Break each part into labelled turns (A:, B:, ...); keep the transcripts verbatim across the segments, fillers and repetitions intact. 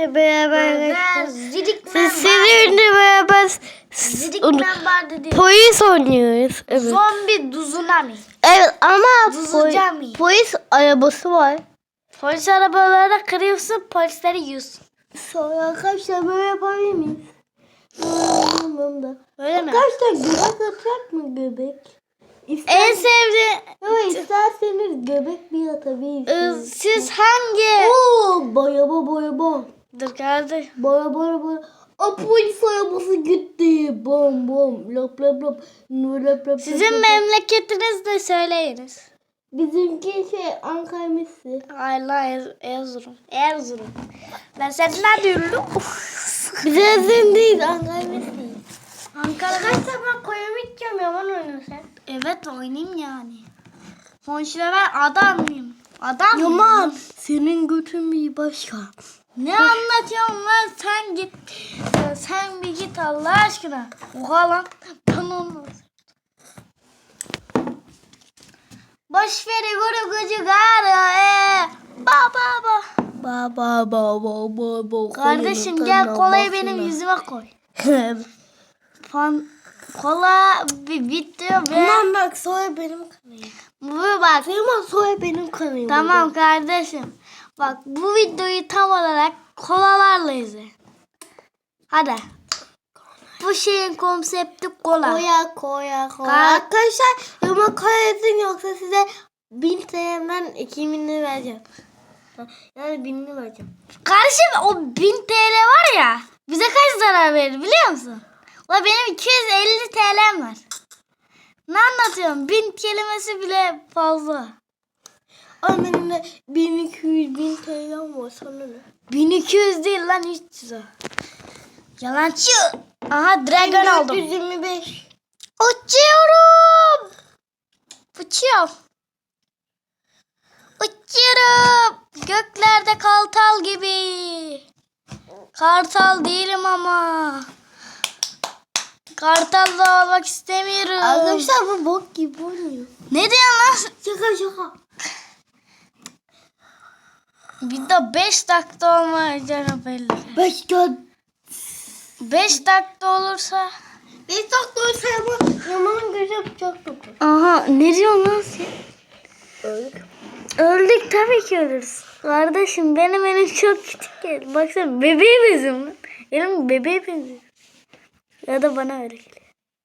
A: sizinle beraber
B: Zidikmen
A: sizinle beraber
B: Zidikmen vardı diye.
A: polis oynuyoruz. Evet.
B: Zombi Duzunami.
A: Evet ama
B: Duzunami.
A: po- polis arabası var.
B: Polis arabalarına kırıyorsun, polisleri yiyorsun.
A: Sonra arkadaşlar böyle yapabilir miyiz?
B: Öyle mi?
A: Arkadaşlar göbek atacak mı göbek? İster...
B: En sevdiğin...
A: Yok isterseniz göbek bir atabilirsiniz.
B: Siz hangi...
A: Oo, bayaba bayaba.
B: Dur kardeş.
A: Baya baya baya. A polis arabası gitti. Bom bom. Lop lop lop. Lop lop lop.
B: Sizin
A: lop.
B: memleketiniz de söyleyiniz.
A: Bizimki şey Ankara Messi.
B: Allah Er- Erzurum. Erzurum. Ben senden diyorum.
A: Bize Erzurum değil Ankara Messi.
B: Ankara'da.
A: Arkadaşlar ben koyamit Yaman oynuyorsun.
B: Evet oynayayım yani. Sonuçta ben adam mıyım? Adam
A: Yaman
B: mıyım?
A: senin götün bir başka.
B: Ne anlatıyorsun lan sen git. Ee, Sen bir git Allah aşkına. Oha lan. Ben olmaz. Boş ver guru gucu gara e. Ba ba ba.
A: Ba ba ba ba ba ba.
B: Kardeşim gel kolayı benim yüzüme koy. Fan kola bir bitti ve
A: Tamam bak soy benim kanayım.
B: bu bak.
A: Tamam soy benim kanayım.
B: Tamam kardeşim. Bak bu videoyu tam olarak kolalarla izle. Hadi. Bu şeyin konsepti kola.
A: Koya koya koya.
B: Ka-
A: Arkadaşlar ama koyasın yoksa size bin T L'den iki binini vereceğim. Yani binini vereceğim.
B: Kardeşim o bin T L var ya bize kaç zarar verir biliyor musun? La benim iki yüz elli T L'm var. Ne anlatıyorum? Bin kelimesi bile fazla.
A: Ama benim de bin iki yüz bin T L'm var sana ne?
B: bin iki yüz değil lan üç yüz o. Yalancı. Aha dragon aldım.
A: dört yüz yirmi beş.
B: Uçuyorum. Uçuyorum. Uçuyorum. Göklerde kartal gibi. Kartal değilim ama. Kartal da olmak istemiyorum.
A: Arkadaşlar bu bok gibi oynuyor.
B: Ne diyorsun lan?
A: Şaka şaka.
B: Bir de beş dakika olmayacak belli.
A: beş dakika.
B: beş dakika olursa.
A: beş dakika olsa Yaman, Yaman'ın gözü yapacak dokuz.
B: Aha ne diyorsun lan sen?
A: Öldük.
B: Öldük tabii ki ölürüz. Kardeşim benim elim çok küçük geldi. Baksana bebeğe benziyorum lan. Elim bebeğe benziyor. Ya da bana öyle geliyor.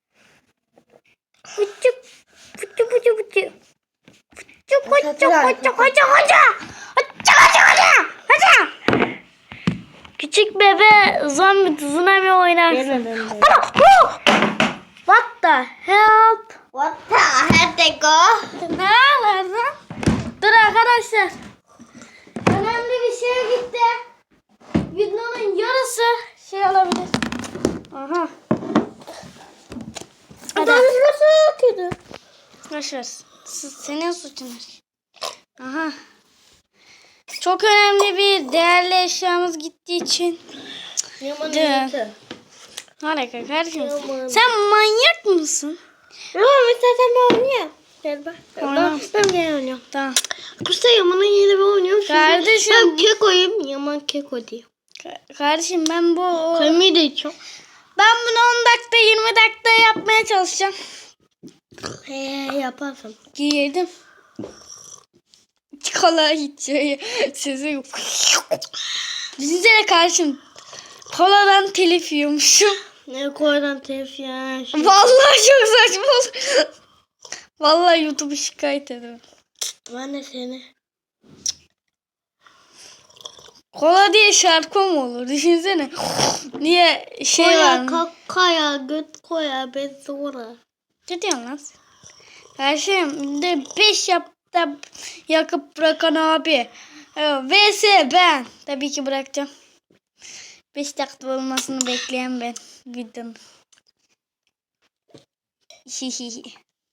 B: Fıçı fıçı fıçı fıçı. Fıçı fıçı fıçı fıçı fıçı. Fıçı fıçı fıçı. Fıçı. Küçük bebe zombi tsunami oynarsın. What the help?
A: What the heck they go?
B: Ne alırdın? Dur arkadaşlar. Önemli bir şey gitti. Videonun yarısı şey olabilir. Aha. Hadi.
A: Nasıl kötü?
B: Boş ver. S- Senin suçun. Aha. Çok önemli bir değerli eşyamız gittiği için.
A: Yaman'ın
B: Dur.
A: kötü.
B: Harika kardeşim.
A: Yaman.
B: Sen manyak mısın?
A: Yaman istersen ben oynayayım. Gel bak.
B: Tamam.
A: Ben, ben gel oynuyorum.
B: Tamam.
A: Kusta Yaman'ın yeri ben oynuyorum. Şimdi
B: Kardeşim.
A: Ben kekoyum. Yaman keko diyor.
B: Ka- Kardeşim ben bu...
A: Kemiği de içiyorum.
B: Ben bunu on dakika yirmi dakika yapmaya çalışacağım.
A: He yaparsın.
B: Giyirdim. Kola içiyor. Sesi yok. Düşünsene kardeşim. Koladan telif yiyormuşum.
A: Ne koydan telif ya. Şey.
B: Vallahi çok saçma olur. Vallahi YouTube'u şikayet ederim.
A: Ben de seni.
B: Kola diye şarkı mı olur? Düşünsene. Niye şey
A: Koya
B: var mı?
A: kakaya göt koya ben sonra.
B: Ne diyorsun lan sen? Kardeşim de beş yap da yakıp bırakan abi. V S ben. Tabii ki bırakacağım. beş dakika olmasını bekleyen ben. Videonun. Hihihi.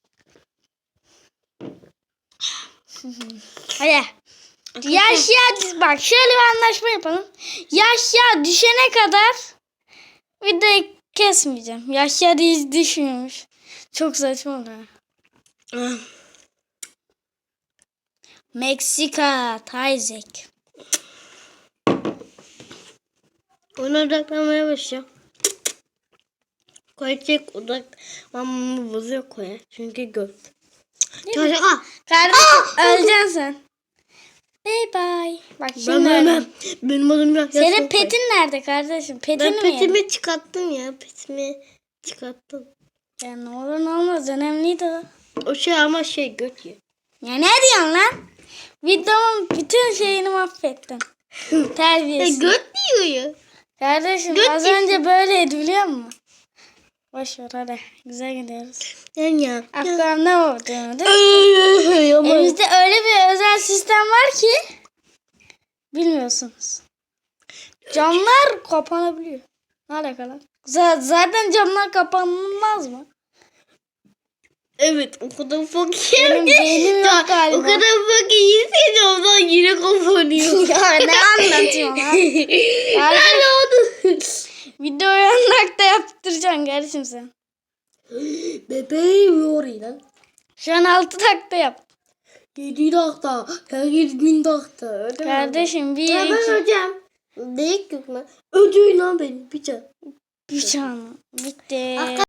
B: Hadi. Yaşya bak şöyle bir anlaşma yapalım. Yaşya düşene kadar videoyu kesmeyeceğim. Yaşya hiç düşmüyormuş. Çok saçma oluyor. Meksika, Tayzek.
A: Ona odaklanmaya başlayacağım. Koyacak odaklanmamı bozuyor Koya. Çünkü göt. Çocuk ah.
B: Kardeşim öleceksin sen. Bye bye. Bak
A: Ben
B: şimdi
A: ölmem. Benim adım yok.
B: senin petin nerede kardeşim? Petini
A: Ben
B: mi yedin?
A: petimi çıkarttım ya. Petimi çıkarttım.
B: Ya ne olur ne olmaz önemliydi o.
A: O şey ama şey göt ya.
B: Ya ne diyorsun lan? Videomun bütün şeyini mahvettin.
A: Ya
B: Terbiyesiz.
A: göt diyor ya.
B: Kardeşim
A: Göt
B: az
A: diyorsun.
B: önce böyleydi biliyor musun? Boş ver hadi. Güzel gidiyoruz.
A: Ben ya.
B: Aklım ne oldu? değil mi?
A: Ama
B: Elimizde öyle bir özel sistem var ki bilmiyorsunuz. Camlar kapanabiliyor. Ne alakalı? Z- zaten camlar kapanmaz mı?
A: evet o kadar fakir.
B: Benim beynim yok
A: Ya,
B: galiba.
A: o kadar fakir ki ondan yine kapanıyor.
B: Ya ne anlatıyorsun lan?
A: Ben oldu.
B: Videoyu on dakika yaptıracaksın kardeşim sen.
A: Bebeğim yoruyor lan.
B: Şu an altı dakika yap.
A: Yedi dakika. Herkes bin dakika. Öyle mi?
B: Kardeşim bir
A: Ya ben
B: iki.
A: hocam. Büyük yok lan. Ödüğün lan benim. Bir can.
B: Bir can. Bitti.